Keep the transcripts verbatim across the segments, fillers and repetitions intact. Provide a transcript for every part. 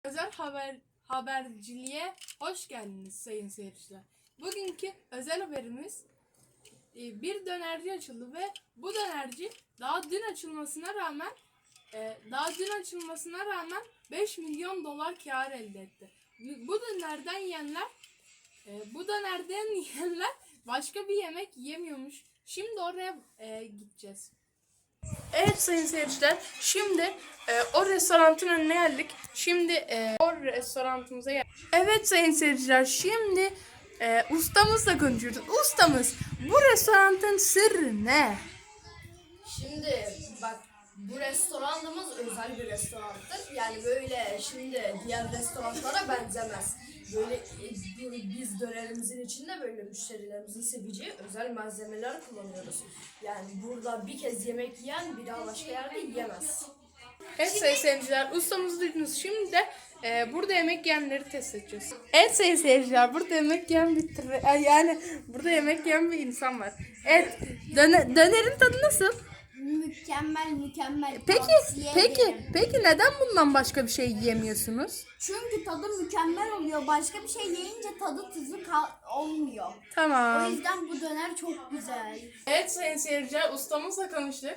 Özel haber haberciliğe hoş geldiniz sayın seyirciler. Bugünkü özel haberimiz bir dönerci açıldı ve bu dönerci daha dün açılmasına rağmen daha dün açılmasına rağmen beş milyon dolar kar elde etti. Bu dönerden yiyenler bu dönerden yiyenler başka bir yemek yemiyormuş. Şimdi oraya e, gideceğiz. Evet sayın seyirciler, şimdi e, o restoranın önüne geldik. Şimdi e, o restoranımıza geldik. Evet sayın seyirciler, şimdi e, ustamızla konuşuyoruz. Ustamız, bu restoranın sırrı ne? Şimdi bak, bu restoranımız özel bir restorandır. Yani böyle şimdi diğer restoranlara benzemez. Böyle e, biz dönerimizin içinde böyle müşterilerimizin seveceği özel malzemeler kullanıyoruz. Yani burada bir kez yemek yiyen bir daha başka yerde yiyemez. Evet sayın seyirciler, ustamızı duydunuz. Şimdi de e, burada yemek yiyenleri test edeceğiz. Evet sayın seyirciler, burada yemek yiyen bir tır- yani burada yemek yiyen bir insan var. Evet, döne, dönerin tadı nasıl? Mükemmel mükemmel. Peki, Tavsiye peki, ederim. peki neden bundan başka bir şey yiyemiyorsunuz? Çünkü tadı mükemmel oluyor. Başka bir şey yiyince tadı tuzu kal- olmuyor. O Tamam. yüzden bu döner çok güzel. Evet sayın seyirciler, ustamızla konuştuk.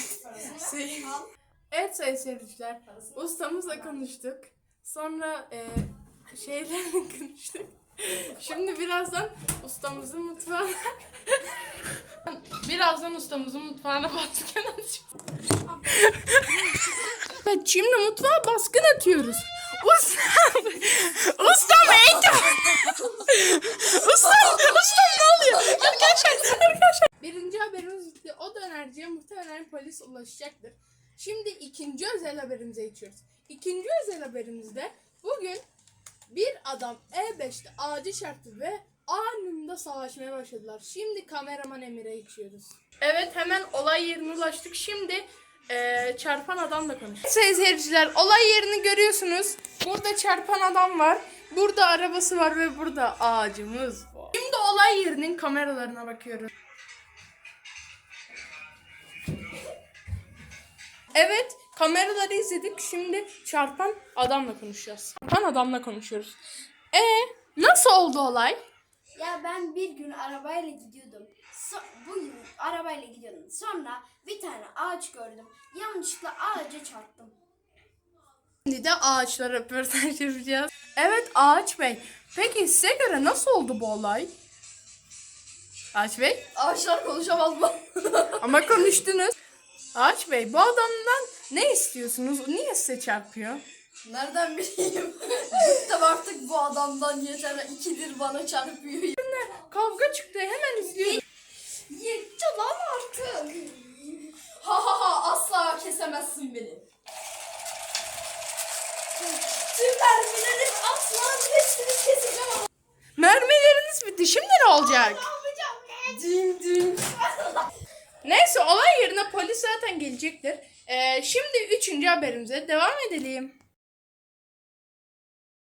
Evet sayın seyirciler, ustamızla konuştuk. Sonra e, şeylerle konuştuk. Şimdi birazdan ustamızın mutfağına birazdan ustamızın mutfağına baskın atacağız. Evet, şimdi mutfağa baskın atıyoruz. Ustam! Ustam eğitim! Ustam! Ustam ne oluyor? Arkadaşlar, arkadaşlar. Birinci haberimiz bitti. O dönerciye muhtemelen polis ulaşacaktır. Şimdi ikinci özel haberimize geçiyoruz. İkinci özel haberimizde bugün bir adam E beşte ağacı çarptı ve anında savaşmaya başladılar. Şimdi kameraman Emir'e geçiyoruz. Evet, hemen olay yerine ulaştık. Şimdi e, çarpan adamla konuşuyoruz. Sayın seyirciler, olay yerini görüyorsunuz. Burada çarpan adam var. Burada arabası var ve burada ağacımız var. Şimdi olay yerinin kameralarına bakıyoruz. Evet, kameraları izledik. Şimdi çarpan adamla konuşacağız. Çarpan adamla konuşuyoruz. E nasıl oldu olay? Ya ben bir gün arabayla gidiyordum. So- bu gün arabayla gidiyordum. Sonra bir tane ağaç gördüm. Yanlışlıkla ağaca çarptım. Şimdi de ağaçlara röportaj yapacağız. Evet Ağaç Bey. Peki size göre nasıl oldu bu olay? Ağaç Bey? Ağaçlar konuşamaz mı? Ama konuştunuz. Ağaç Bey, bu adamdan ne istiyorsunuz? Niye size çarpıyor? Nereden bileyim? Bıktım artık bu adamdan, yeter. İkidir bana çarpıyor. Kavga çıktı, hemen izliyorum. Yetti lan artık. Ha ha ha, asla kesemezsin beni. Tüm mermilerim asla hepsini keseceğim ama. Mermileriniz bitti. Şimdi ne olacak? Ding ding. Neyse, olay yerine polis zaten gelecektir. Ee, şimdi üçüncü haberimize devam edelim.